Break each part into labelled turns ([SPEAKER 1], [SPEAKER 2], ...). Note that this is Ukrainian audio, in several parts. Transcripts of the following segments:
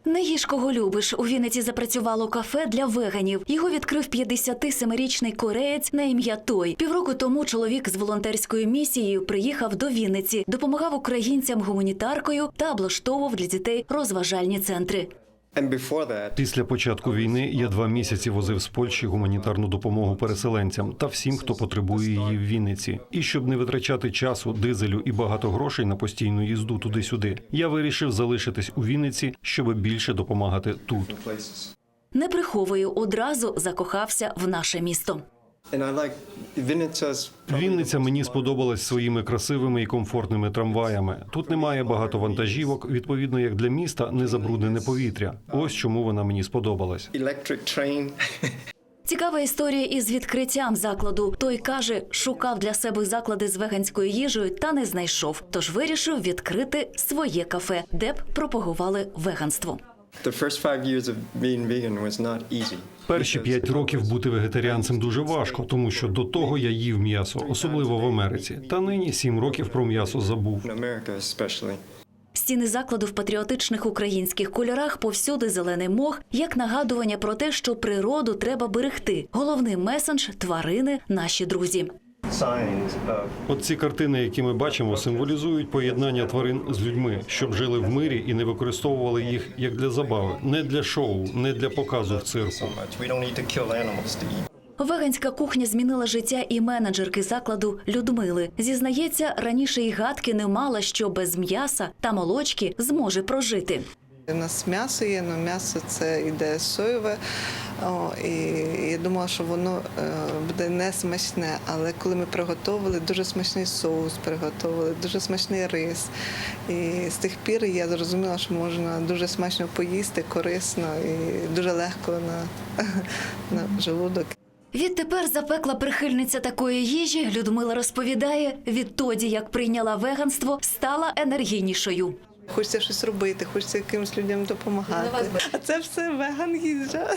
[SPEAKER 1] Не їж, кого любиш. У Вінниці запрацювало кафе для веганів. Його відкрив 57-річний кореєць на ім'я Той. Півроку тому чоловік з волонтерською місією приїхав до Вінниці, допомагав українцям гуманітаркою та облаштовував для дітей розважальні центри.
[SPEAKER 2] Після початку війни я 2 місяці возив з Польщі гуманітарну допомогу переселенцям та всім, хто потребує її в Вінниці. І щоб не витрачати часу, дизелю і багато грошей на постійну їзду туди-сюди, я вирішив залишитись у Вінниці, щоб більше допомагати тут.
[SPEAKER 1] Не приховую, одразу закохався в наше місто.
[SPEAKER 2] Вінниця мені сподобалась своїми красивими і комфортними трамваями. Тут немає багато вантажівок, відповідно, як для міста, не забруднене повітря. Ось чому вона мені сподобалась.
[SPEAKER 1] Цікава історія із відкриттям закладу. Той каже, шукав для себе заклади з веганською їжею та не знайшов. Тож вирішив відкрити своє кафе, де б пропагували веганство.
[SPEAKER 2] Перші 5 років бути вегетаріанцем дуже важко, тому що до того я їв м'ясо, особливо в Америці. Та нині 7 років про м'ясо забув.
[SPEAKER 1] Стіни закладу в патріотичних українських кольорах, повсюди зелений мох, як нагадування про те, що природу треба берегти. Головний месендж – тварини – наші друзі.
[SPEAKER 2] От ці картини, які ми бачимо, символізують поєднання тварин з людьми, щоб жили в мирі і не використовували їх як для забави, не для шоу, не для показу в цирку.
[SPEAKER 1] Веганська кухня змінила життя і менеджерки закладу Людмили. Зізнається, раніше й гадки не мала, що без м'яса та молочки зможе прожити.
[SPEAKER 3] У нас м'ясо є, але м'ясо це йде соєве, і я думала, що воно буде не смачне, але коли ми приготували, дуже смачний соус приготували, дуже смачний рис. І з тих пір я зрозуміла, що можна дуже смачно поїсти, корисно і дуже легко на желудок.
[SPEAKER 1] Відтепер запекла прихильниця такої їжі, Людмила розповідає, відтоді, як прийняла веганство, стала енергійнішою.
[SPEAKER 3] Хочеться щось робити, хочеться якимось людям допомагати. А це все веган їжа.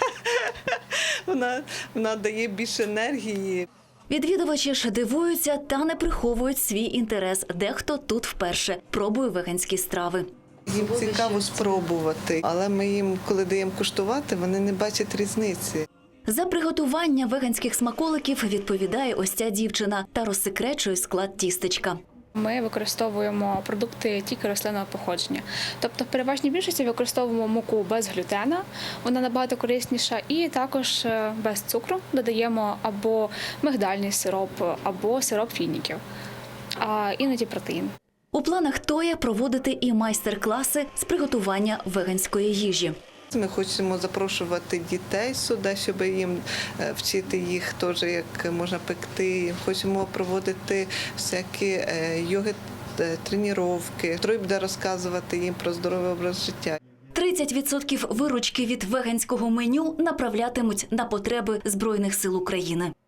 [SPEAKER 3] Вона дає більше енергії.
[SPEAKER 1] Відвідувачі ж дивуються та не приховують свій інтерес. Дехто тут вперше пробує веганські страви.
[SPEAKER 3] Їм цікаво спробувати, але ми їм, коли даємо куштувати, вони не бачать різниці.
[SPEAKER 1] За приготування веганських смаколиків відповідає ось ця дівчина та розсекречує склад тістечка.
[SPEAKER 4] Ми використовуємо продукти тільки рослинного походження. Тобто в переважній більшості використовуємо муку без глютена, вона набагато корисніша, і також без цукру додаємо або мигдальний сироп, або сироп фініків, а іноді протеїн.
[SPEAKER 1] У планах Тоя проводити і майстер-класи з приготування веганської їжі.
[SPEAKER 3] Ми хочемо запрошувати дітей сюди, щоб їм вчити їх теж, як можна пекти. Хочемо проводити всякі йоги-тренування. Той буде розказувати їм про здоровий образ життя.
[SPEAKER 1] 30% виручки від веганського меню направлятимуть на потреби Збройних сил України.